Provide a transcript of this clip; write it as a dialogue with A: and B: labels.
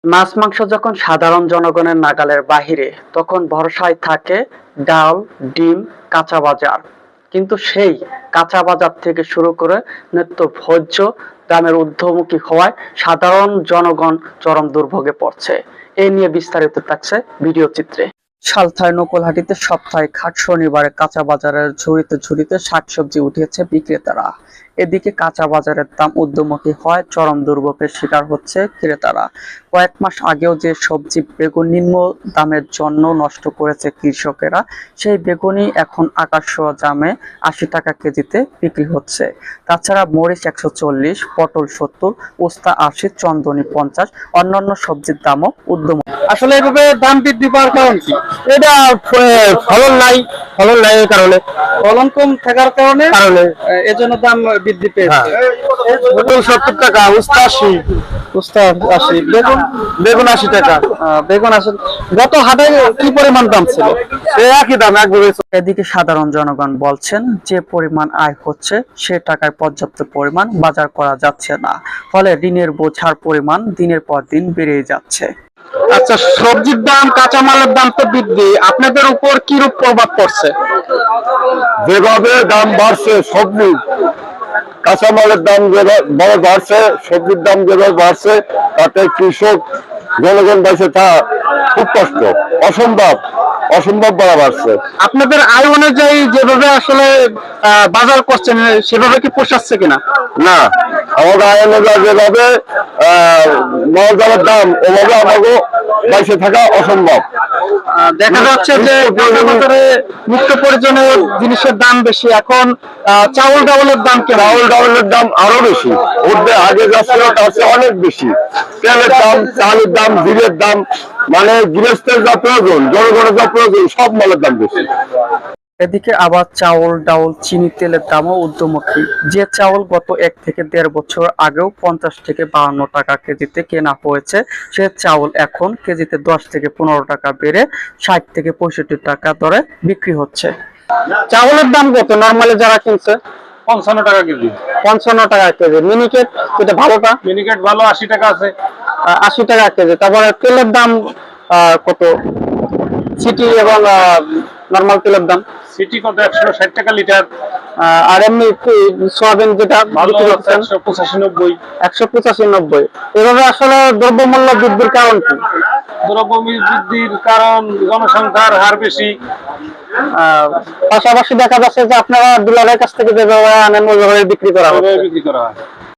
A: মাছ মাংস যখন সাধারণ জনগণের নাগালের বাহিরে, তখন ভরসায় থাকে ডাল, ডিম, কাঁচা বাজার। কিন্তু সেই কাঁচা বাজার থেকে শুরু করে নিত্য ভোজ্য দামের ঊর্ধ্বমুখী হওয়ায় সাধারণ জনগণ চরম দুর্ভোগে পড়ছে। এ নিয়ে বিস্তারিত থাকছে ভিডিও চিত্রে। সালথায় নকুলহাটিতে সাপ্তাহিক হাট শনিবারে কাঁচা বাজারের ঝুড়িতে ঝুড়িতে শাকসবজি উঠিয়েছে বিক্রেতারা। এদিকে কাঁচা বাজারের দাম ঊর্ধ্বমুখী হয়, চরম দুর্ভোগের শিকার হচ্ছে ক্রেতারা। কয়েক মাস আগেও যে সবজি বেগুন নিম্ন দামের জন্য নষ্ট করেছে কৃষকেরা, সেই বেগুনই এখন আকাশ ছোঁয়া দামে ৮০ টাকা কেজিতে বিক্রি হচ্ছে। তাছাড়া মরিচ ১৪০, পটল ৭০, উস্তা ৮০, চন্দনী ৫০, অন্যান্য সবজির দামও ঊর্ধ্বমুখী।
B: আসলে এভাবে দাম বৃদ্ধি পাওয়ার কারণ কি? এটা ফলন নাই, ফলন নাই এই কারণে,
A: ফলন কম থাকার কারণে এজন্য দাম বৃদ্ধি পেয়েছে।
B: পটল ৭০ টাকা, উস্তা ৮০,
A: উস্তা ৮০, বেগুন
B: বেগুন ৮০ টাকা।
A: বেগুন ৮০। গত হাটে কি পরিমাণ দাম ছিল?
B: এই একই দাম, একভাবে।
A: এদিকে সাধারণ জনগণ বলছেন, যে পরিমাণ আয় হচ্ছে সে টাকায় পর্যাপ্ত পরিমাণ বাজার করা যাচ্ছে না, ফলে ঋণের বোঝার পরিমাণ দিনের পর দিন বেড়ে যাচ্ছে।
B: আচ্ছা, সবজির দাম, কাঁচামালের দাম তো বৃদ্ধি, আপনাদের উপর কি রূপ প্রভাব পড়ছে?
C: যেভাবে দাম বাড়ছে, সবজি কাঁচামালের দাম যেভাবে বাড়ছে, সবজির দাম যেভাবে বাড়ছে, তাতে কৃষক জনগণ বেঁচে থাকা খুব কষ্ট, অসম্ভব অসম্ভব বাড়া বাড়ছে।
B: আপনাদের আয় অনুযায়ী যেভাবে আসলে বাজার করছেন, সেভাবে কি পোষাচ্ছে কিনা?
C: না, আমাদের আয় অনুযায়ী যেভাবে মালজালের দাম, ওভাবে আমাকে বেঁচে থাকা অসম্ভব।
B: দেখা যাচ্ছে যে বাজারে নিত্য প্রয়োজনীয় জিনিসের দাম বেশি, এখন চাউল ডাউলের দাম কেমন?
C: চাউল ডাউলের দাম আরো বেশি, উঠবে আগে যা ছিল তার চেয়ে অনেক বেশি। তেলের দাম, চালের দাম, জিরের দাম, মানে গৃহস্থের যা প্রয়োজন, জনগণের যা প্রয়োজন, সব মালের দাম বেশি।
A: এদিকে আবার চাউল, ডাউল, চিনি, তেলের দামও ঊর্ধ্বমুখী। যে চাউল গত ১ থেকে ১.৫ বছর আগেও ৫০ থেকে ৫২ টাকা কেজিতে কেনা হয়েছে, সে চাউল এখন কেজিতে ১০ থেকে ১৫ টাকা বেড়ে ৬০ থেকে ৬৫ টাকা দরে বিক্রি হচ্ছে।
B: চাউলের দাম কত নরমালি যারা কিনছে?
D: ৫৫ টাকা কেজি।
B: ৫৫ টাকা কেজি। মিনিকেট, এটা ভালোটা,
D: মিনিকেট ভালো ৮০ টাকা আছে।
B: ৮০ টাকা কেজি। তারপরে তেলের দাম কত? সিটি এবং নরমাল তেলের দাম?
D: সিটি কত? ১৬০ টাকা লিটার।
B: আর এমনি সোয়াবিন যেটা
D: ভালো
B: বিক্রি করছেন
D: ১৮৫-৯০।
B: ১৮৫-৯০। এভাবে আসলে দ্রব্যমূল্য বৃদ্ধির কারণ কি?
D: দ্রব্যমূল্য বৃদ্ধির কারণ জনসংখ্যার হার বেশি।
B: পাশাপাশি দেখা যাচ্ছে যে আপনারা ডিলারের কাছ থেকে যেভাবে আনেন ওইভাবে বিক্রি করা হয়।
D: বিক্রি করা হয়।